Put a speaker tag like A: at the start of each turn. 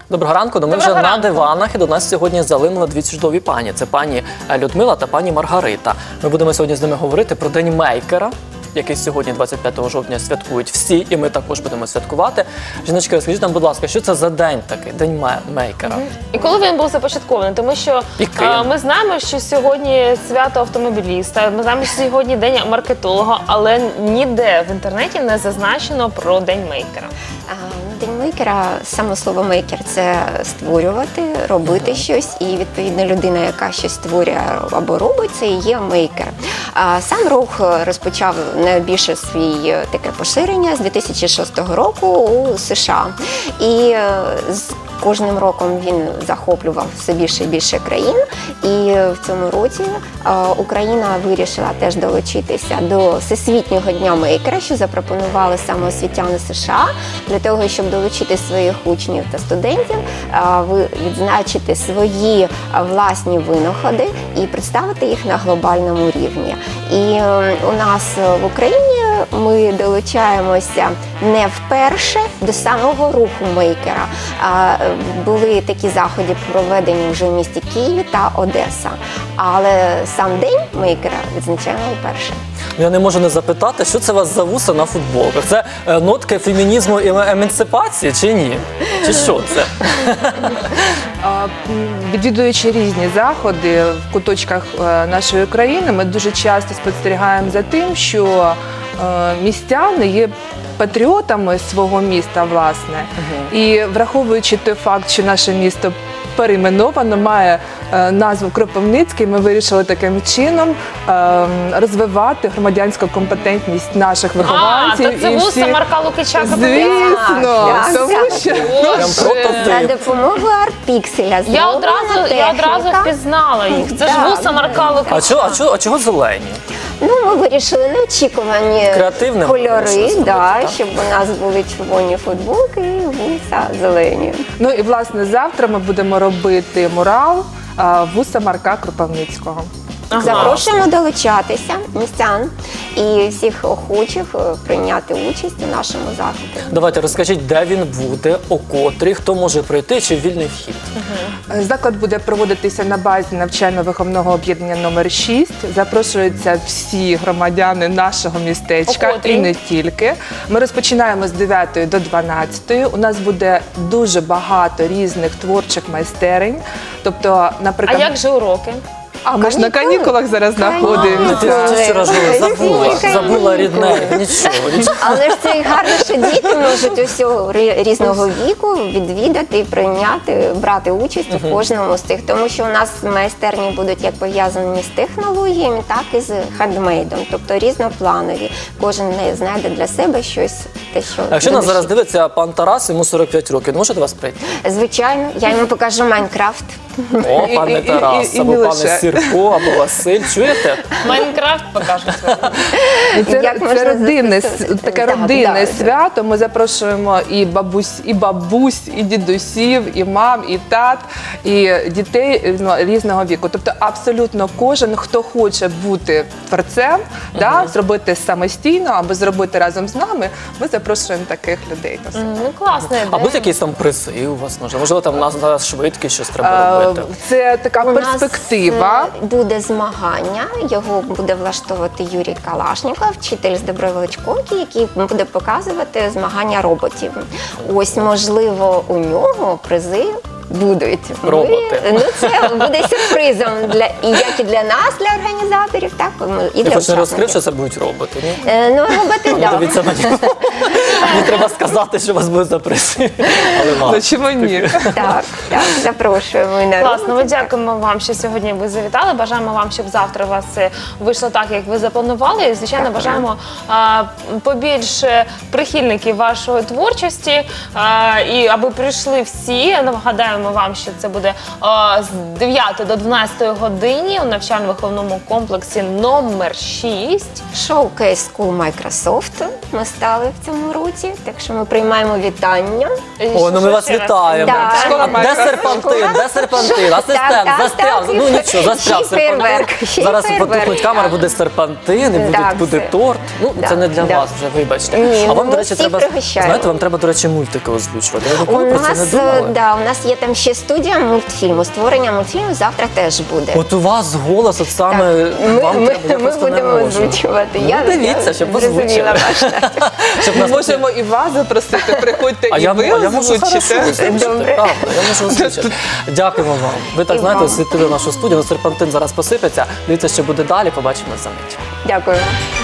A: Доброго ранку. Ми вже на диванах, і до нас сьогодні залинули дві чудові пані. Це пані Людмила та пані Маргарита. Ми будемо сьогодні з ними говорити про День мейкера, який сьогодні, 25 жовтня, святкують всі, і ми також будемо святкувати. Жіночки, розкажіть нам, будь ласка, що це за день такий, День мейкера?
B: І коли він був започаткований? Тому що ми знаємо, що сьогодні свято автомобіліста, ми знаємо, що сьогодні День маркетолога, але ніде в інтернеті не зазначено про День мейкера.
C: День мейкера, саме слово мейкер – це створювати, робити щось, і відповідно людина, яка щось створює або робить, це і є мейкер. Сам рух розпочав найбільше своє таке поширення з 2006 року у США. І з кожним роком він захоплював все більше і більше країн, і в цьому році Україна вирішила теж долучитися до Всесвітнього дня мейкера, що запропонували саме освітяни США, для того, щоб долучити своїх учнів та студентів, відзначити свої власні винаходи і представити їх на глобальному рівні. І у нас в Україні ми долучаємося не вперше до самого руху мейкера. Були такі заходи, проведені вже в місті Києві та Одеса. Але сам день мейкера відзначаємо вперше.
A: Я не можу не запитати, що це у вас за вуса на футболках? Це нотки фемінізму і емансипації чи ні? Чи що це?
D: Відвідуючи різні заходи в куточках нашої країни, ми дуже часто спостерігаємо за тим, що містяни є патріотами свого міста, власне. І враховуючи той факт, що наше місто перейменовано, має назву Кропивницький, ми вирішили таким чином розвивати громадянську компетентність наших вихованців.
B: То це вуса Марка Лукича.
D: Звісно, тому що
C: За допомогою арт-пікселя
B: я одразу впізнала їх. Це ж вуса Марка Лукича.
A: А чого зелені?
C: ми вирішили неочікувані
A: Креативним
C: кольори, щоб у нас були червоні футболки і вуса зелені.
D: Ну і, власне, завтра ми будемо робити мурал вуса Марка Кропивницького.
C: Запрошуємо долучатися містян і всіх охочих прийняти участь у нашому заході.
A: Давайте розкажіть, де він буде, о котрій, хто може прийти, чи вільний вхід?
D: Заклад буде проводитися на базі навчально-виховного об'єднання номер 6. Запрошуються всі громадяни нашого містечка і не тільки. Ми розпочинаємо з 9 до 12. У нас буде дуже багато різних творчих майстерень. Тобто, наприклад,
B: А як же уроки?
D: ми ж на канікулах зараз знаходимося.
A: Ти вчора забула рідне, нічого.
C: Але ж це і гарно, що діти можуть усього різного віку відвідати, прийняти, брати участь у кожному з тих. Тому що у нас майстерні будуть як пов'язані з технологіями, так і з хендмейдом, тобто різнопланові. Кожен знайде для себе щось, те, що...
A: А якщо нас зараз дивиться пан Тарас, йому 45 років, може до вас прийти?
C: Звичайно, я йому покажу Майнкрафт.
A: О, пане Тарас, або пане Сірко, або Василь, чуєте?
B: Майнкрафт покажуть.
D: Це таке родинне свято. Ми запрошуємо і бабусь, і дідусів, і мам, і тат, і дітей різного віку. Тобто абсолютно кожен, хто хоче бути творцем, зробити самостійно або зробити разом з нами, ми запрошуємо таких людей.
B: Ну, класна ідея.
A: А будуть якісь там призи у вас? Можливо, там у нас швидкість щось треба робити?
D: Це така перспектива.
C: У нас буде змагання, його буде влаштовувати Юрій Калашніков, вчитель з Добровеличковки, який буде показувати змагання роботів. Ось, можливо, у нього призи будуть.
A: Роботи.
C: Це буде сюрпризом, як і для нас, для організаторів, так і для
A: Я хоч не розкрив,
C: учасників.
A: що це будуть роботи, ні?
C: Роботи, так.
A: Дивіться мені. Мені треба сказати, що у вас будуть за призи.
D: Ну чому ні?
C: Так, запрошуємо і на
B: Класно, ми дякуємо вам, що сьогодні ви завітали. Бажаємо вам, щоб завтра у вас вийшло так, як ви запланували. І, звичайно, бажаємо побільше прихильників вашої творчості. І аби прийшли всі. Нагадуємо вам, що це буде з 9 до 12 годині у навчально-виховному комплексі номер 6.
C: Showcase School Microsoft. ми стали в цьому році, так що ми приймаємо вітання.
A: О, ну ми вас вітаємо.
C: Да.
D: Школа
A: Де
D: майстра.
A: серпантин? Де серпантин? Асистент,
C: Так,
A: застряв.
C: так.
A: Ну нічого, застряв
C: Ще й фейерверк,
A: серпантин.
C: ще й
A: Зараз
C: фейерверк,
A: потухнуть камери,
C: так.
A: буде серпантин, і
C: Так,
A: буде
C: все.
A: торт. Ну,
C: Да,
A: це не для
C: да.
A: вас вже, вибачте.
C: Ні,
A: А
C: ну,
A: вам, до
C: ми
A: речі,
C: всіх
A: треба,
C: пригощаємо.
A: знаєте, вам треба, до речі, мультики озвучувати. Ви
C: У
A: ніколи про це не
C: нас,
A: думали?
C: да, у нас є там ще студія мультфільму. Створення мультфільму завтра теж буде.
A: От у вас голос, от саме вам треба, я
C: Ми
A: просто не
C: будемо
A: можу.
C: озвучувати.
A: Ну, дивіться, щоб
C: зрозуміла
A: озвучили.
C: ваш натяк.
A: Щоб
D: Ми
A: нас
D: можемо і вас запросити, приходьте
A: А
D: і
A: я
D: ви
A: можу хорошо
D: озвучите.
A: озвучити,
C: Добре.
A: правда, я можу озвучити. Дякуємо вам. Ви так,
C: І
A: знаєте,
C: вам.
A: освітили нашу студію, серпантин зараз посипеться. Дивіться, що буде далі, побачимо за мить.
C: Дякую.